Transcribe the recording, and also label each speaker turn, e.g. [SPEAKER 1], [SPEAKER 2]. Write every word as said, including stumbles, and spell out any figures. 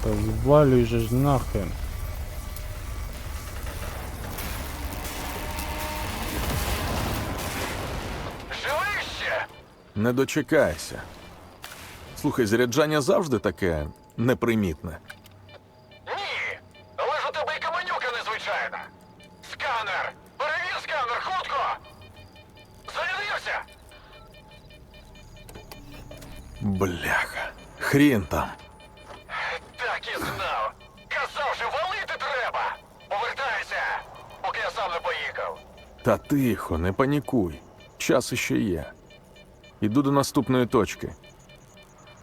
[SPEAKER 1] Та звалюй же ж нахрен.
[SPEAKER 2] Живий ще?
[SPEAKER 3] Не дочекайся. Слухай, заряджання завжди таке непримітне.
[SPEAKER 2] Ні. Але ж у тебе і каменюка незвичайна. Сканер! Перевір сканер, хутко! Зарядився!
[SPEAKER 3] Бляха. Хрін там.
[SPEAKER 2] Так і знав. Казав же, валити треба! Повертайся, поки я сам не поїхав.
[SPEAKER 3] Та тихо, не панікуй. Час іще є. Іду до наступної точки.